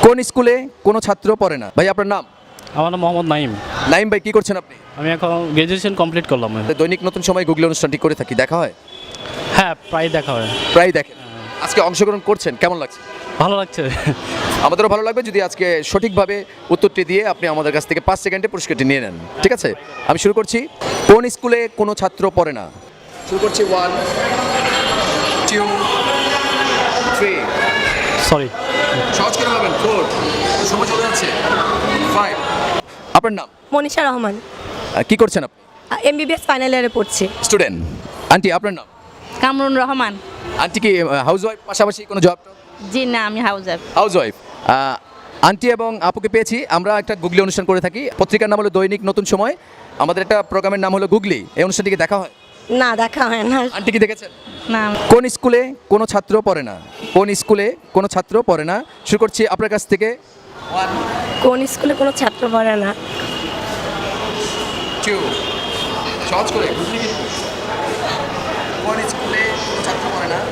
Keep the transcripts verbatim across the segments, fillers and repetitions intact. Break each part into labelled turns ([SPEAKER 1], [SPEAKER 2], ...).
[SPEAKER 1] কোন স্কুলে কোনো ছাত্র পড়ে না? ভাই আপনার নাম?
[SPEAKER 2] আমার নাম মোহাম্মদ নাইম।
[SPEAKER 1] নাইম ভাই, কি করছেন আপনি?
[SPEAKER 2] আমি এখন গ্র্যাজুয়েশন কমপ্লিট করলাম।
[SPEAKER 1] দৈনিক নতুন সময় গুগলি অনুষ্ঠানটি করে থাকি, দেখা হয়?
[SPEAKER 2] হ্যাঁ, প্রায় দেখা হয়।
[SPEAKER 1] প্রায় দেখেন। আজকে অংশগ্রহণ করছেন, কেমন লাগছে?
[SPEAKER 2] ভালো লাগছে।
[SPEAKER 1] আমাদেরও ভালো লাগবে যদি আজকে সঠিকভাবে উত্তরটি দিয়ে আপনি আমাদের কাছ থেকে পাঁচ সেকেন্ডে পুরস্কারটি নিয়ে নেন, ঠিক আছে? আমি শুরু করছি। কোন স্কুলে কোনো ছাত্র পড়ে না? শুরু করছি। One, two, three.
[SPEAKER 2] সরি।
[SPEAKER 1] সহজ করে ভাবেন। ফোর, সময় চলে যাচ্ছে। ফাইভ। আপনার নাম?
[SPEAKER 3] মনীষা রহমান,
[SPEAKER 1] আহ, কি করছেন আপনি?
[SPEAKER 3] এমবিবিএস ফাইনাল ইয়ারে পড়ছি।
[SPEAKER 1] স্টুডেন্ট। আন্টি, আপনার নাম?
[SPEAKER 4] কামরুন রহমান।
[SPEAKER 1] আন্টি কি হাউস ওয়াইফ, পাশাপাশি কোনো জব?
[SPEAKER 4] জি না, আমি housewife.
[SPEAKER 1] Housewife. Aunty এবং আপুকে পেয়েছি। আমরা একটা গুগলি অনুষ্ঠান করে থাকি, পত্রিকার নাম হলো দৈনিক নতুন সময়। আমাদের একটা প্রোগ্রামের নাম হলো গুগলি। এই অনুষ্ঠানটিকে দেখা হয়?
[SPEAKER 3] না, দেখা হয় না।
[SPEAKER 1] আন্টি কি দেখেছেন?
[SPEAKER 4] না।
[SPEAKER 1] কোন স্কুলে কোনো ছাত্র পড়ে না? কোন স্কুলে কোনো ছাত্র পড়ে না? শুরু করছি আপনার কাছ থেকে। ওয়ান,
[SPEAKER 3] কোন স্কুলে কোনো ছাত্র পড়ে না?
[SPEAKER 1] টু। সহজ করে। কোন স্কুলে কোনো ছাত্র পড়ে না?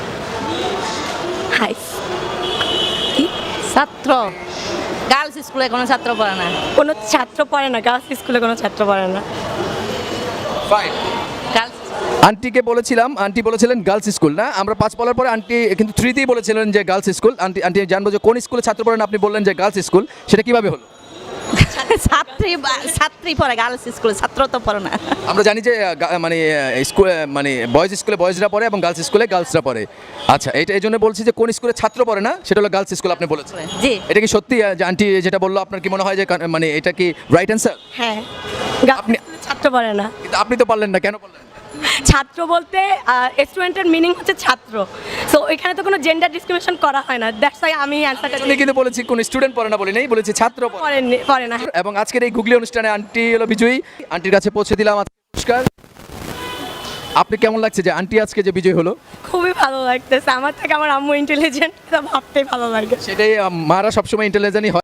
[SPEAKER 3] হাই, কি?
[SPEAKER 4] ছাত্র গার্লস স্কুলে কোনো ছাত্র পড়ে না।
[SPEAKER 3] কোনো ছাত্র পড়ে না, গার্লস স্কুলে কোনো ছাত্র পড়ে না।
[SPEAKER 1] ফাইভ।
[SPEAKER 4] গার্লস
[SPEAKER 1] আন্টিকে বলেছিলাম, আন্টি বলেছিলেন গার্লস স্কুল না। আমরা পাঁচ বলার পরে আন্টি কিন্তু থ্রিতেই বলেছিলেন যে গার্লস স্কুল। আন্টি আন্টি জানবো যে কোন স্কুলে ছাত্র পড়েন, আপনি বললেন যে গার্লস স্কুল, সেটা কিভাবে হলো?
[SPEAKER 4] ছাত্রী বা- ছাত্রী পড়ে গার্লস স্কুলে, ছাত্র তো পড়ে না।
[SPEAKER 1] আমরা জানি যে আহ, গা- মানে স্কুল মানে বয়েজ স্কুলে বয়েজরা পড়ে এবং গার্লস স্কুলে গার্লসরা পড়ে। আচ্ছা, এটা এই জন্য বলছি যে কোন স্কুলে ছাত্র পড়ে না সেটা হলো গার্লস স্কুল, আপনি বলেছেন।
[SPEAKER 4] জি।
[SPEAKER 1] এটা কি সত্যি আহ, যে আন্টি যেটা বললো আপনার কি মনে হয় যে কান- মানে এটা কি রাইট অ্যান্সার?
[SPEAKER 3] হ্যাঁ, গার্লস
[SPEAKER 1] আপনি-
[SPEAKER 3] স্কুলে ছাত্র পড়ে না।
[SPEAKER 1] কিন্তু আপনি তো পারলেন না, কেন পারলেন?
[SPEAKER 3] ছাত্র বলতে স্টুডেন্টের মিনিং হচ্ছে ছাত্র, সো এখানে তো কোনো জেন্ডার ডিসক্রিমিনেশন করা হয় না। দ্যাটস ওয়াই আমি অ্যান্সারটা
[SPEAKER 1] আমি কিন্তু বলেছি কোন স্টুডেন্ট পড়ে না বলি নাই, বলেছি ছাত্র পড়ে।
[SPEAKER 3] পড়ে পড়ে না।
[SPEAKER 1] এবং আজকের এই গুগলি অনুষ্ঠানে আন্টি হলো বিজয়ী। আন্টির কাছে পৌঁছে দিলাম আজকে পুরস্কার। আপনি কেমন লাগছে যে আন্টি আজকে যে বিজয়ী হলো?
[SPEAKER 3] খুবই ভালো লাগতেছে। আমার থেকে আমার আম্মু ইন্টেলিজেন্ট, এটা ভাবতেই ভালো লাগে।
[SPEAKER 1] সেটাই, আহ, মারা সবসময় ইন্টেলিজেন্টই হয়।